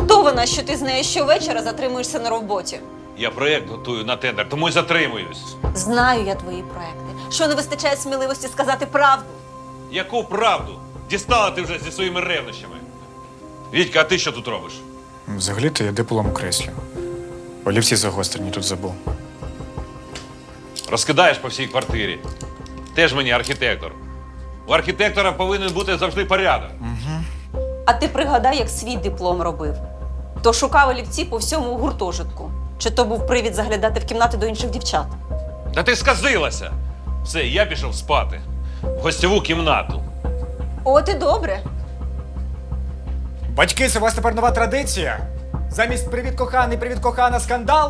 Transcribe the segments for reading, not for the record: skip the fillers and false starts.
хто вона, що ти з нею щовечора затримуєшся на роботі? Я проєкт готую на тендер, тому й затримуюсь. Знаю я твої проекти. Що не вистачає сміливості сказати правду? Яку правду? Дістала ти вже зі своїми ревнощами. Вітька, а ти що тут робиш? Взагалі-то я диплом креслю. Олівці загострені тут забув. Розкидаєш по всій квартирі. Теж мені архітектор. У архітектора повинен бути завжди порядок. А ти пригадай, як свій диплом робив. То шукав олівці по всьому гуртожитку. Чи то був привід заглядати в кімнати до інших дівчат? Та ти сказилася! Все, я пішов спати. В гостьову кімнату. От і добре. Батьки, це у вас тепер нова традиція? Замість «Привіт, коханий, привіт, кохана» скандал?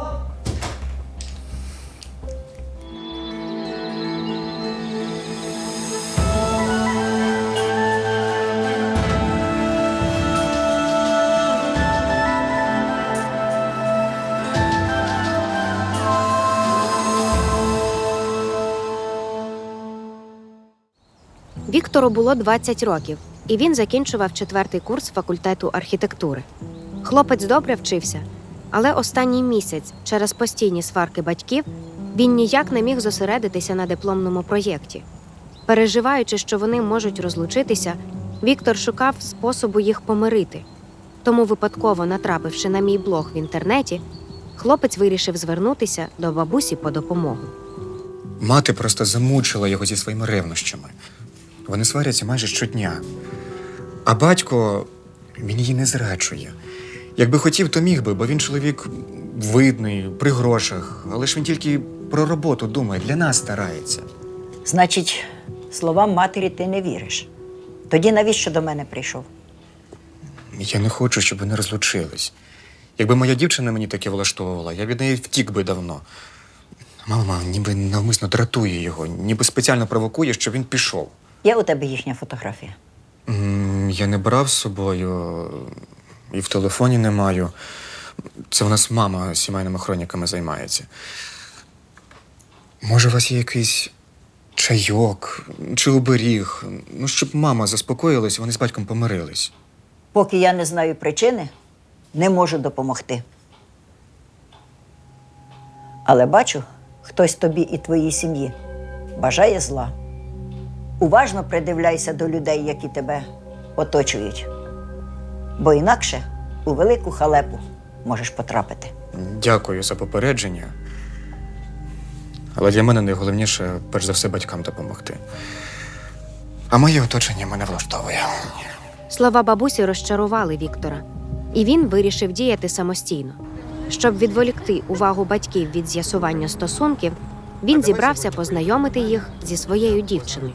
Віктору було 20 років, і він закінчував 4-й курс факультету архітектури. Хлопець добре вчився, але останній місяць через постійні сварки батьків він ніяк не міг зосередитися на дипломному проєкті. Переживаючи, що вони можуть розлучитися, Віктор шукав способу їх помирити. Тому, випадково натрапивши на мій блог в інтернеті, хлопець вирішив звернутися до бабусі по допомогу. Мати просто замучила його зі своїми ревнощами. Вони сваряться майже щодня. А батько, він її не зраджує. Якби хотів, то міг би, бо він чоловік видний, при грошах. Але ж він тільки про роботу думає, для нас старається. Значить, словам матері ти не віриш. Тоді навіщо до мене прийшов? Я не хочу, щоб вони розлучились. Якби моя дівчина мені таке влаштовувала, я від неї втік би давно. Мама ніби навмисно дратує його, ніби спеціально провокує, щоб він пішов. Є у тебе їхня фотографія? Я не брав з собою, і в телефоні не маю. Це у нас мама сімейними хроніками займається. Може, у вас є якийсь чайок чи оберіг? Ну, щоб мама заспокоїлась, вони з батьком помирились. Поки я не знаю причини, не можу допомогти. Але бачу, хтось тобі і твоїй сім'ї бажає зла. Уважно придивляйся до людей, які тебе оточують. Бо інакше у велику халепу можеш потрапити. Дякую за попередження. Але для мене найголовніше, перш за все, батькам допомогти. А моє оточення мене влаштовує. Слова бабусі розчарували Віктора, і він вирішив діяти самостійно. Щоб відволікти увагу батьків від з'ясування стосунків, він зібрався познайомити їх зі своєю дівчиною.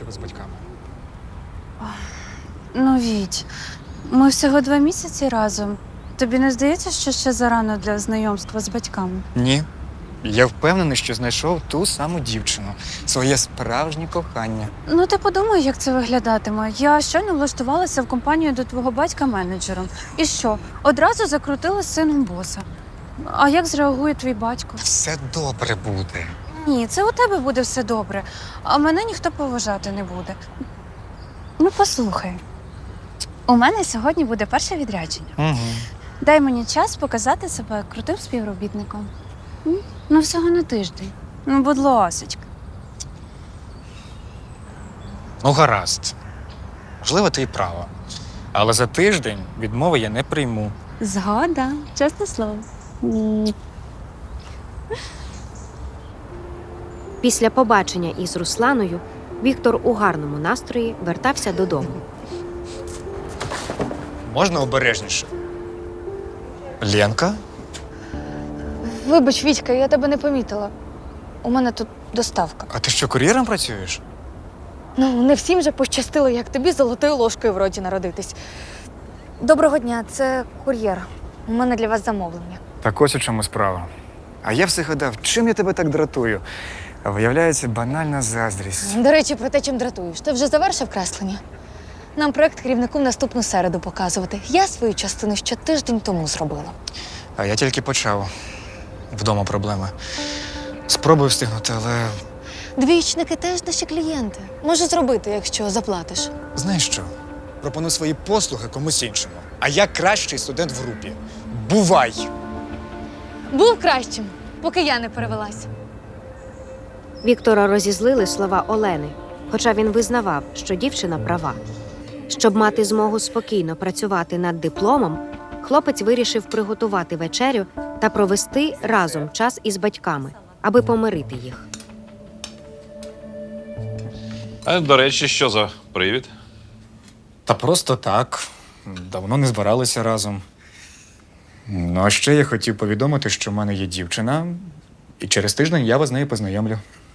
Ну, Віть, ми всього 2 місяці разом. Тобі не здається, що ще зарано для знайомства з батьками? Ні. Я впевнений, що знайшов ту саму дівчину. Своє справжнє кохання. Ну, ти подумай, як це виглядатиме. Я щойно влаштувалася в компанію до твого батька менеджером. І що? Одразу закрутила з сином боса. А як зреагує твій батько? Все добре буде. Ні, це у тебе буде все добре, а мене ніхто поважати не буде. Ну, послухай. У мене сьогодні буде перше відрядження. Угу. Дай мені час показати себе крутим співробітником. Ну, всього на тиждень. Ну, будь ласочка. Ну, гаразд. Можливо, ти і права. Але за тиждень відмови я не прийму. Згода, чесне слово. Після побачення із Русланою Віктор у гарному настрої вертався додому. Можна обережніше? Ленка? Вибач, Вітька, я тебе не помітила. У мене тут доставка. А ти що, кур'єром працюєш? Ну, не всім же пощастило, як тобі золотою ложкою в роті народитись. Доброго дня, це кур'єр. У мене для вас замовлення. Так ось у чому справа. А я все гадав, чим я тебе так дратую? А виявляється, банальна заздрість. До речі, про те, чим дратуєш. Ти вже завершив креслення? Нам проект керівнику в наступну середу показувати. Я свою частину ще тиждень тому зробила. А я тільки почав. Вдома проблеми. Спробую встигнути, але Двічники теж наші клієнти. Можу зробити, якщо заплатиш. знаєш що? Пропоную свої послуги комусь іншому. А я кращий студент в групі. Бувай! Був кращим, поки я не перевелась. Віктора розізлили слова Олени, хоча він визнавав, що дівчина права. Щоб мати змогу спокійно працювати над дипломом, хлопець вирішив приготувати вечерю та провести разом час із батьками, аби помирити їх. А, до речі, що за привід? Та просто так. Давно не збиралися разом. Ну, а ще я хотів повідомити, що в мене є дівчина, і через тиждень я вас з нею познайомлю.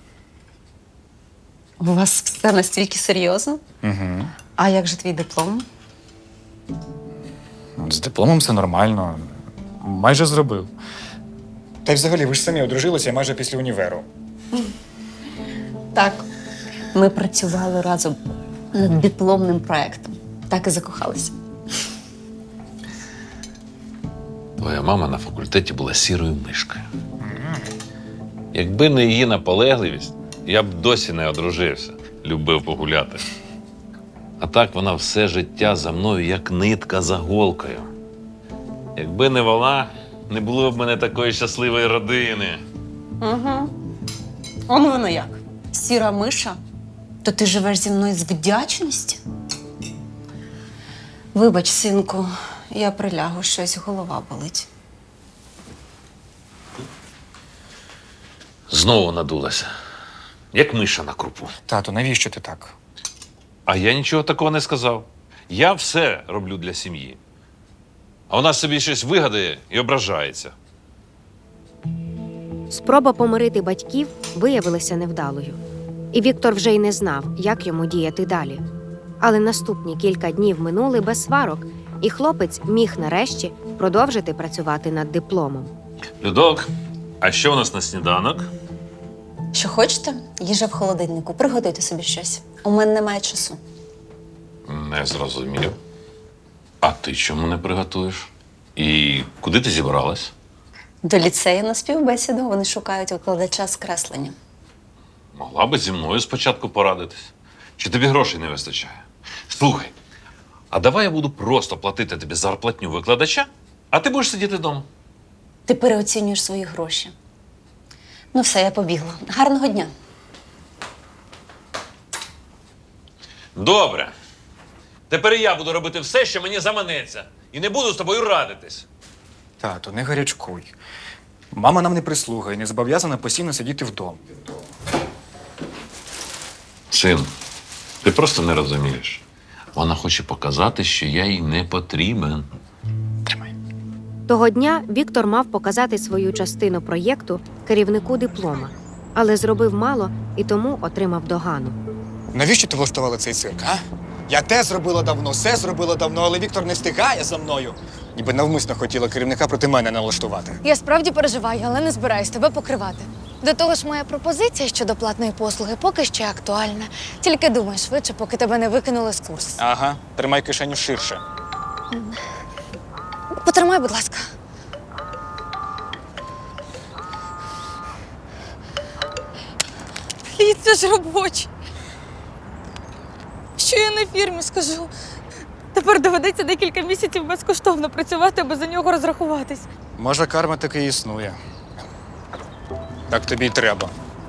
У вас все настільки серйозно? Угу. А як же твій диплом? З дипломом все нормально. Майже зробив. Та й взагалі, ви ж самі одружилися майже після універу. Так. Ми працювали разом над дипломним проєктом. Так і закохалися. Твоя мама на факультеті була сірою мишкою. Якби не її наполегливість, я б досі не одружився, любив погуляти. А так вона все життя за мною, як нитка за голкою. Якби не вона, не було б в мене такої щасливої родини. Угу. Он воно як. Сіра миша? То ти живеш зі мною з вдячності? Вибач, синку, я прилягу, щось голова болить. Знову надулася, як миша на крупу. Тату, навіщо ти так? А я нічого такого не сказав. Я все роблю для сім'ї. А вона собі щось вигадає і ображається. Спроба помирити батьків виявилася невдалою. І Віктор вже й не знав, як йому діяти далі. Але наступні кілька днів минули без сварок, і хлопець міг нарешті продовжити працювати над дипломом. Людок, а що у нас на сніданок? Що хочете? Їжа в холодильнику. Приготуйте собі щось. У мене немає часу. Не зрозумів. А ти чому не приготуєш? І куди ти зібралась? До ліцею на співбесіду вони шукають викладача з креслення. Могла би зі мною спочатку порадитись. Чи тобі грошей не вистачає? Слухай, а давай я буду просто платити тобі зарплатню викладача, а ти будеш сидіти вдома. Ти переоцінюєш свої гроші. Ну все, я побігла. Гарного дня. Добре. Тепер і я буду робити все, що мені заманеться. І не буду з тобою радитись. Тату, не гарячкуй. Мама нам не прислуга і не зобов'язана постійно сидіти вдома. Син, ти просто не розумієш. Вона хоче показати, що я їй не потрібен. Тримай. Того дня Віктор мав показати свою частину проєкту керівнику диплома, але зробив мало і тому отримав догану. Навіщо ти влаштувала цей цирк, а? Я те зробила давно, все зробила давно, але Віктор не встигає за мною. Ніби навмисно хотіла керівника проти мене налаштувати. Я справді переживаю, але не збираюсь тебе покривати. До того ж, моя пропозиція щодо платної послуги поки ще актуальна. Тільки думай швидше, поки тебе не викинули з курсу. Ага, тримай кишеню ширше. Потримай, будь ласка. Блін, це ж робочий. Що я на фірмі скажу? Тепер доведеться декілька місяців безкоштовно працювати, аби за нього розрахуватись. Може, карма таки існує. Так тобі й треба.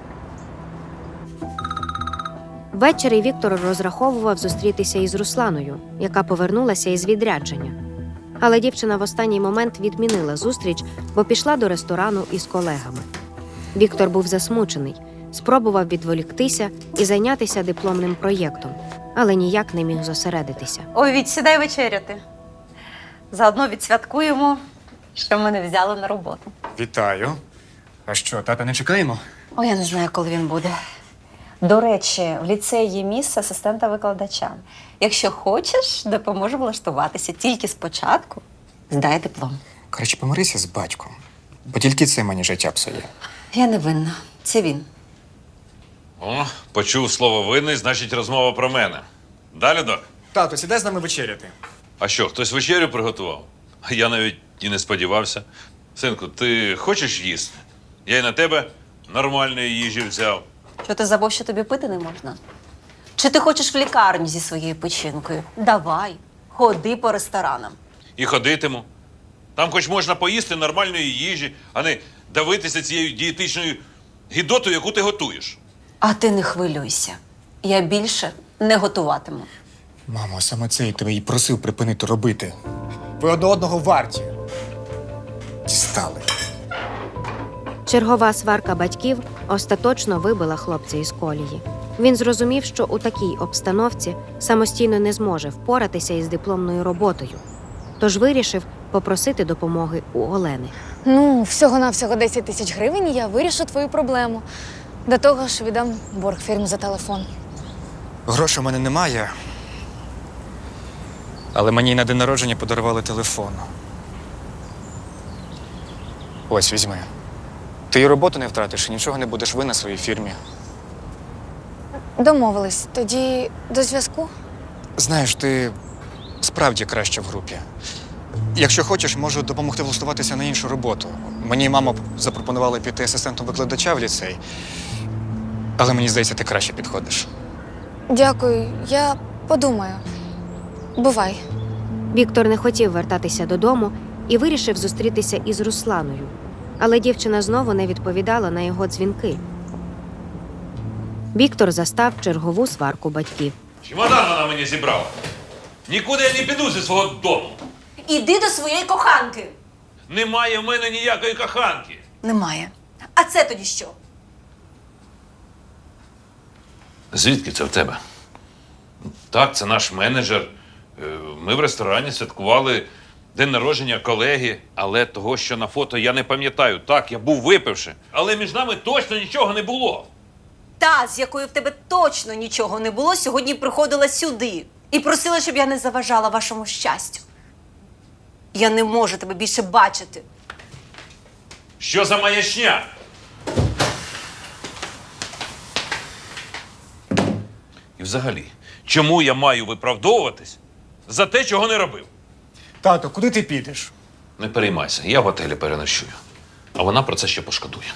Ввечері Віктор розраховував зустрітися із Русланою, яка повернулася із відрядження. Але дівчина в останній момент відмінила зустріч, бо пішла до ресторану із колегами. Віктор був засмучений, спробував відволіктися і зайнятися дипломним проєктом, але ніяк не міг зосередитися. Ой, Віть, сідай вечеряти. Заодно відсвяткуємо, що мене взяли на роботу. Вітаю. А що, тата не чекаємо? Ой, я не знаю, коли він буде. До речі, в ліцеї є місце асистента викладача. Якщо хочеш, допоможу влаштуватися. Тільки спочатку здай диплом. Коротше, помирися з батьком. Бо тільки це мені життя псує. Я не винна. Це він. О, почув слово винний, значить розмова про мене. Далі, док? Тату, сідай з нами вечеряти. А що, хтось вечерю приготував? А я навіть і не сподівався. Синку, ти хочеш їсти? Я й на тебе нормальної їжі взяв. Що ти забув, що тобі пити не можна? Чи ти хочеш в лікарню зі своєю печінкою? Давай, ходи по ресторанам. і ходитиму. Там хоч можна поїсти нормальної їжі, а не давитися цією дієтичною гідотою, яку ти готуєш. А ти не хвилюйся. Я більше не готуватиму. Мамо, саме це я тебе і просив припинити робити. Ви одне одного варті. Дістали. Чергова сварка батьків остаточно вибила хлопця із колії. Він зрозумів, що у такій обстановці самостійно не зможе впоратися із дипломною роботою. Тож вирішив попросити допомоги у Олени. Ну, всього-навсього 10 тисяч гривень, і я вирішу твою проблему. До того ж, віддам борг фірмі за телефон. Грошей у мене немає. Але мені на день народження подарували телефон. Ось, візьми. Ти і роботу не втратиш, і нічого не будеш винен своїй фірмі. Домовились. Тоді до зв'язку? Знаєш, ти справді краще в групі. Якщо хочеш, можу допомогти влаштуватися на іншу роботу. Мені мама запропонувала піти асистентом викладача в ліцей. Але мені здається, ти краще підходиш. Дякую, я подумаю. Бувай. Віктор не хотів вертатися додому і вирішив зустрітися із Русланою. Але дівчина знову не відповідала на його дзвінки. Віктор застав чергову сварку батьків. Чемодан вона мені зібрала. Нікуди я не піду зі свого дому. Іди до своєї коханки. Немає в мене ніякої коханки. Немає. А це тоді що? Звідки це в тебе? Так, це наш менеджер. Ми в ресторані святкували день народження колеги, але того, що на фото, я не пам'ятаю. Так, я був випивши, але між нами точно нічого не було. Та, з якою в тебе точно нічого не було, сьогодні приходила сюди і просила, щоб я не заважала вашому щастю. Я не можу тебе більше бачити. Що за маячня? І взагалі, чому я маю виправдовуватись за те, чого не робив? Тато, куди ти підеш? Не переймайся, я в готелі переночую. А вона про це ще пошкодує.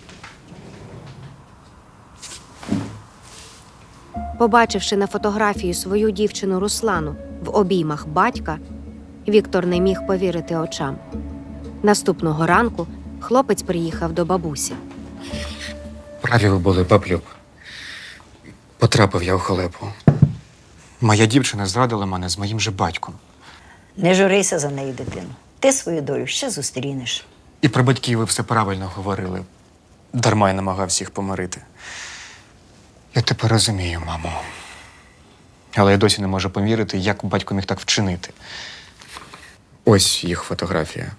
Побачивши на фотографії свою дівчину Руслану в обіймах батька, Віктор не міг повірити очам. Наступного ранку хлопець приїхав до бабусі. Праві ви були, баблюб. Потрапив я у халепу. Моя дівчина зрадила мене з моїм же батьком. Не журися за неї, дитину. Ти свою долю ще зустрінеш. І про батьків ви все правильно говорили. Дарма я намагався їх помирити. Я тепер розумію, мамо. Але я досі не можу повірити, як батько міг так вчинити. Ось їх фотографія.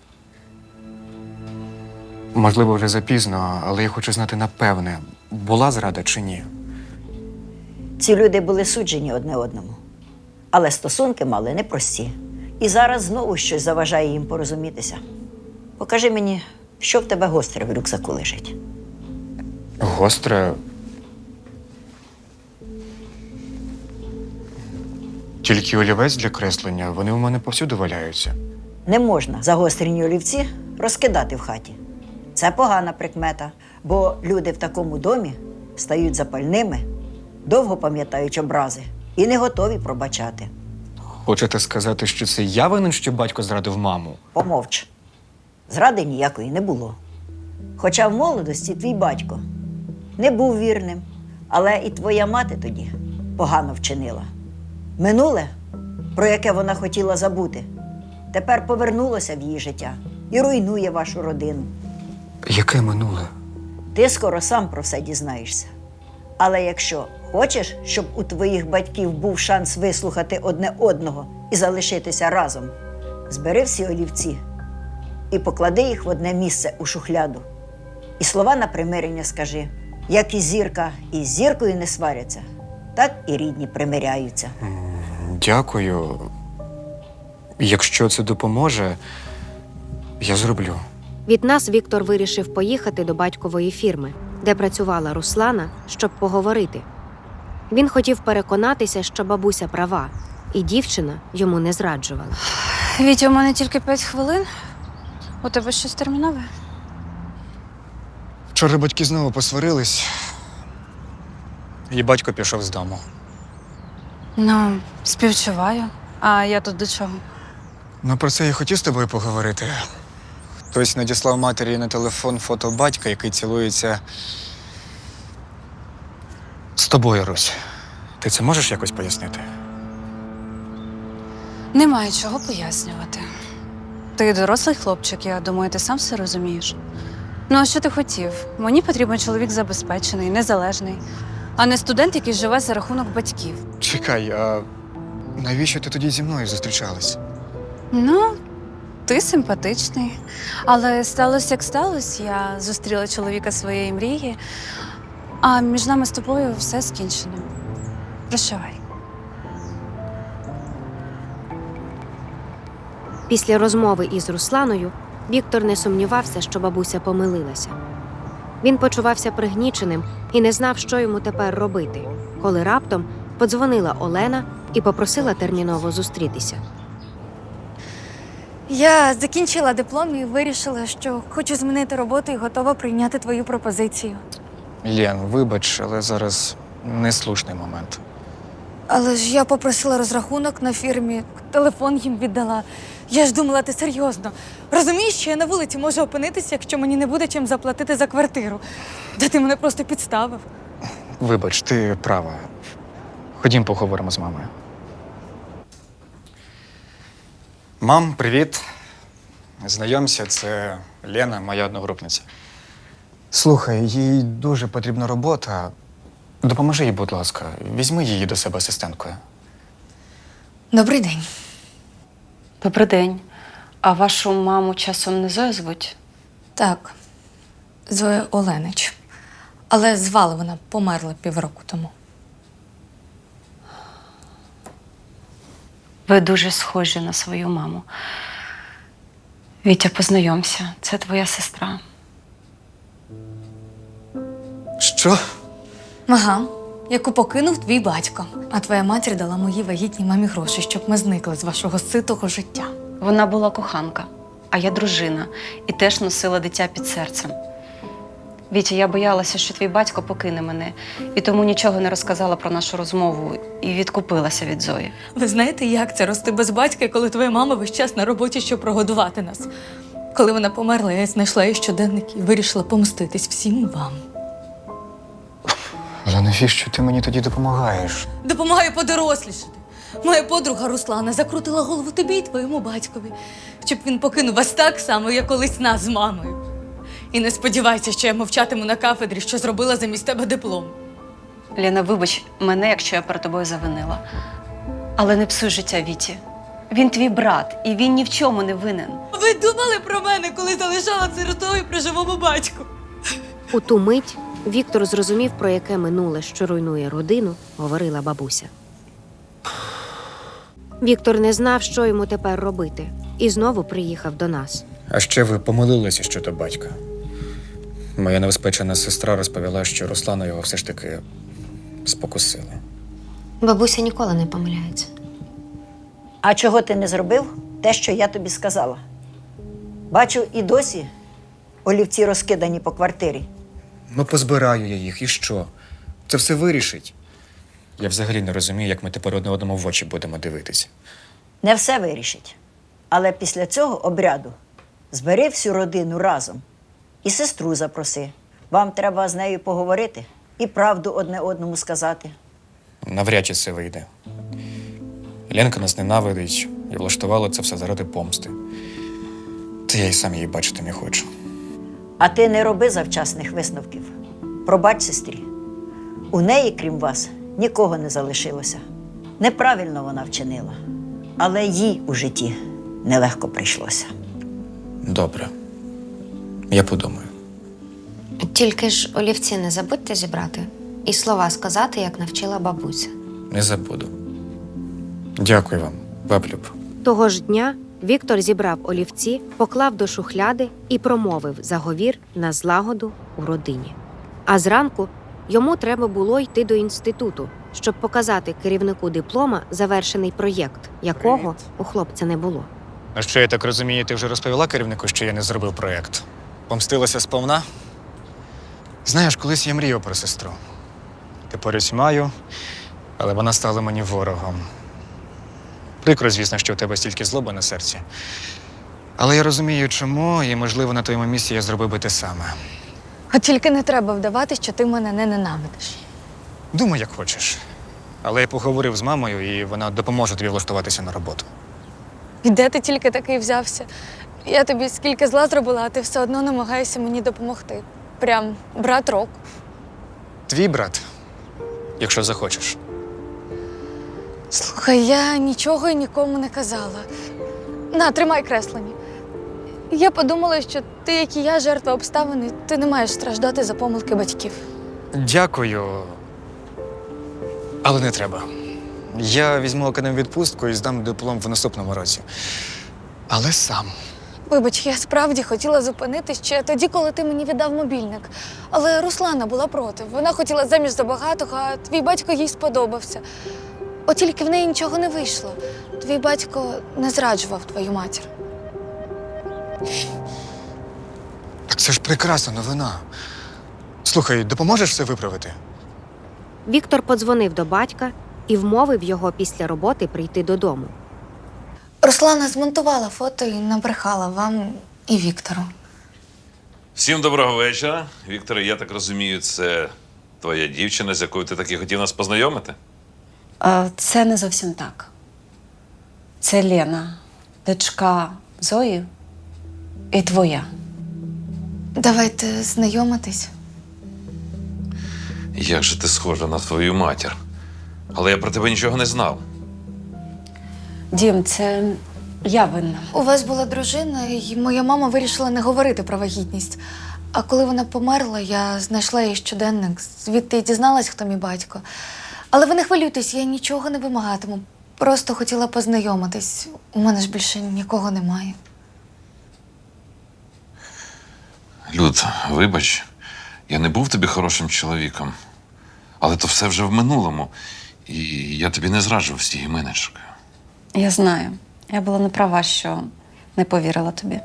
Можливо, вже запізно, але я хочу знати напевне, була зрада чи ні. Ці люди були суджені одне одному. Але стосунки мали непрості. І зараз знову щось заважає їм порозумітися. Покажи мені, що в тебе гостре в рюкзаку лежить. Гостре. Тільки олівець для креслення, вони у мене повсюди валяються. Не можна загострені олівці розкидати в хаті. Це погана прикмета, бо люди в такому домі стають запальними, довго пам'ятають образи і не готові пробачати. Хочете сказати, що це я винен, що батько зрадив маму? Помовч. Зради ніякої не було. Хоча в молодості твій батько не був вірним, але і твоя мати тоді погано вчинила. Минуле, про яке вона хотіла забути, тепер повернулося в її життя і руйнує вашу родину. Яке минуле? Ти скоро сам про все дізнаєшся. Але якщо хочеш, щоб у твоїх батьків був шанс вислухати одне одного і залишитися разом, збери всі олівці і поклади їх в одне місце у шухляду. І слова на примирення скажи. Як і зірка із зіркою не сваряться, так і рідні примиряються. Дякую. Якщо це допоможе, я зроблю. Від нас Віктор вирішив поїхати до батькової фірми, де працювала Руслана, щоб поговорити. Він хотів переконатися, що бабуся права, і дівчина йому не зраджувала. Вітя, у мене тільки 5 хвилин. У тебе щось термінове? Вчора батьки знову посварились, і батько пішов з дому. Ну, співчуваю. А я тут до чого? Ну, про це я хотів з тобою поговорити. Хтось надіслав матері на телефон фото батька, який цілується з тобою, Русь. Ти це можеш якось пояснити? Немає чого пояснювати. Ти дорослий хлопчик, я думаю, ти сам все розумієш. Ну, а що ти хотів? Мені потрібен чоловік забезпечений, незалежний, а не студент, який живе за рахунок батьків. Чекай, а навіщо ти тоді зі мною зустрічалась? Ну, ти симпатичний. Але сталося, як сталося. Я зустріла чоловіка своєї мрії, а між нами з тобою все скінчено. Прощавай. Після розмови із Русланою Віктор не сумнівався, що бабуся помилилася. Він почувався пригніченим і не знав, що йому тепер робити, коли раптом подзвонила Олена і попросила терміново зустрітися. Я закінчила диплом і вирішила, що хочу змінити роботу і готова прийняти твою пропозицію. Лєн, вибач, але зараз неслушний момент. Але ж я попросила розрахунок на фірмі, телефон їм віддала. Я ж думала, ти серйозно. Розумієш, що я на вулиці можу опинитися, якщо мені не буде чим заплатити за квартиру. Та ти мене просто підставив. Вибач, ти права. Ходім поговоримо з мамою. Мам, привіт. Знайомся, це Лена, моя одногрупниця. Слухай, їй дуже потрібна робота. Допоможи їй, будь ласка. Візьми її до себе асистенткою. Добрий день. Добрий день. А вашу маму часом не Зоя звуть? Так, Зоя Оленич. Але звали вона, померла півроку тому. Ви дуже схожі на свою маму. Вітя, познайомся. Це твоя сестра. Що? Ага, яку покинув твій батько. А твоя матір дала моїй вагітній мамі гроші, щоб ми зникли з вашого ситого життя. Вона була коханка, а я дружина і теж носила дитя під серцем. Вітя, я боялася, що твій батько покине мене, і тому нічого не розказала про нашу розмову і відкупилася від Зої. Ви знаєте, як це рости без батька, коли твоя мама весь час на роботі, щоб прогодувати нас? Коли вона померла, я знайшла її щоденник і вирішила помститись всім вам. Але навіщо ти мені тоді допомагаєш? Допомагаю подорослішати. Моя подруга Руслана закрутила голову тобі і твоєму батькові, щоб він покинув вас так само, як колись нас з мамою. І не сподівайся, що я мовчатиму на кафедрі, що зробила замість тебе диплом. Лена, вибач мене, якщо я перед тобою завинила. Але не псуй життя Віті. Він твій брат, і він ні в чому не винен. Ви думали про мене, коли залишала сиротою при живому батьку? У ту мить Віктор зрозумів, про яке минуле, що руйнує родину, говорила бабуся. Віктор не знав, що йому тепер робити, і знову приїхав до нас. А ще ви помилилися щодо батька. Моя новоспечена сестра розповіла, що Руслана його все ж таки спокусила. Бабуся ніколи не помиляється. А чого ти не зробив? Те, що я тобі сказала. Бачу, і досі олівці розкидані по квартирі. Ну, позбираю я їх, і що? Це все вирішить. Я взагалі не розумію, як ми тепер одне одному в очі будемо дивитись. Не все вирішить. Але після цього обряду збери всю родину разом і сестру запроси. Вам треба з нею поговорити і правду одне одному сказати. Навряд чи це вийде. Ленка нас ненавидить і влаштувала це все заради помсти. Та я й сам її бачити не хочу. А ти не роби завчасних висновків. Пробач сестрі. У неї, крім вас, нікого не залишилося. Неправильно вона вчинила. Але їй у житті нелегко прийшлося. Добре. Я подумаю. Тільки ж олівці не забудьте зібрати і слова сказати, як навчила бабуся. Не забуду. Дякую вам, баблюб. Того ж дня Віктор зібрав олівці, поклав до шухляди і промовив заговір на злагоду у родині. А зранку йому треба було йти до інституту, щоб показати керівнику диплома завершений проєкт, якого у хлопця не було. А що, я так розумію, ти вже розповіла керівнику, що я не зробив проєкт? Помстилася сповна? Знаєш, колись я мріяв про сестру. Тепер ось маю, але вона стала мені ворогом. Прикро, звісно, що у тебе стільки злоби на серці. Але я розумію, чому, і, можливо, на твоєму місці я зробив би те саме. От тільки не треба вдавати, що ти мене не ненавидиш. Думай, як хочеш. Але я поговорив з мамою, і вона допоможе тобі влаштуватися на роботу. І де ти тільки такий взявся? Я тобі скільки зла зробила, а ти все одно намагаєшся мені допомогти. Прям брат року. Твій брат, якщо захочеш. Слухай, я нічого і нікому не казала. На, тримай креслені. Я подумала, що ти, як і я, жертва обставин, і ти не маєш страждати за помилки батьків. Дякую. Але не треба. Я візьму академію відпустку і здам диплом в наступному році. Але сам. Вибач, я справді хотіла зупинитись ще тоді, коли ти мені віддав мобільник. Але Руслана була проти. Вона хотіла заміж за багатого, а твій батько їй сподобався. От тільки в неї нічого не вийшло. Твій батько не зраджував твою матір. Так це ж прекрасна новина. Слухай, допоможеш все виправити? Віктор подзвонив до батька і вмовив його після роботи прийти додому. Руслана змонтувала фото і набрехала вам і Віктору. Всім доброго вечора. Вікторе, я так розумію, це твоя дівчина, з якою ти таки хотів нас познайомити? Це не зовсім так. Це Лена, дочка Зої і твоя. Давайте знайомитись. Як же ти схожа на твою матір? Але я про тебе нічого не знав. Дім, це я винна. У вас була дружина, і моя мама вирішила не говорити про вагітність. А коли вона померла, я знайшла її щоденник, звідти й дізналась, хто мій батько. Але ви не хвилюйтесь, я нічого не вимагатиму. Просто хотіла познайомитись. У мене ж більше нікого немає. Люд, вибач, я не був тобі хорошим чоловіком. Але то все вже в минулому. І я тобі не зраджував з тією менеджеркою. Я знаю. Я була не права, що не повірила тобі.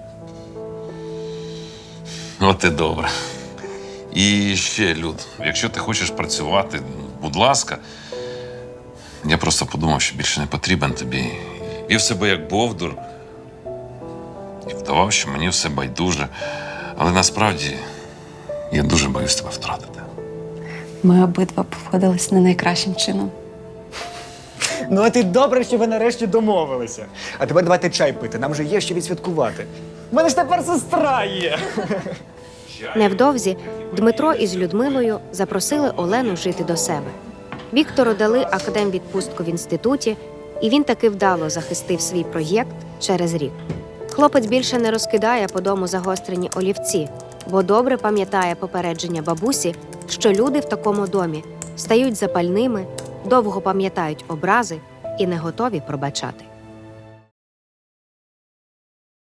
От і добре. І ще, Люд, якщо ти хочеш працювати, будь ласка. Я просто подумав, що більше не потрібен тобі. Вів себе як бовдур. І вдавав, що мені все байдуже. Але насправді я дуже боюсь тебе втратити. Ми обидва поводились не найкращим чином. Ну, а ти добре, що ви нарешті домовилися. А тепер давайте чай пити, нам же є що відсвяткувати. У мене ж тепер сестра є. Невдовзі Дмитро із Людмилою запросили Олену жити до себе. Віктору дали академвідпустку в інституті, і він таки вдало захистив свій проєкт через рік. Хлопець більше не розкидає по дому загострені олівці, бо добре пам'ятає попередження бабусі, що люди в такому домі стають запальними, довго пам'ятають образи і не готові пробачати.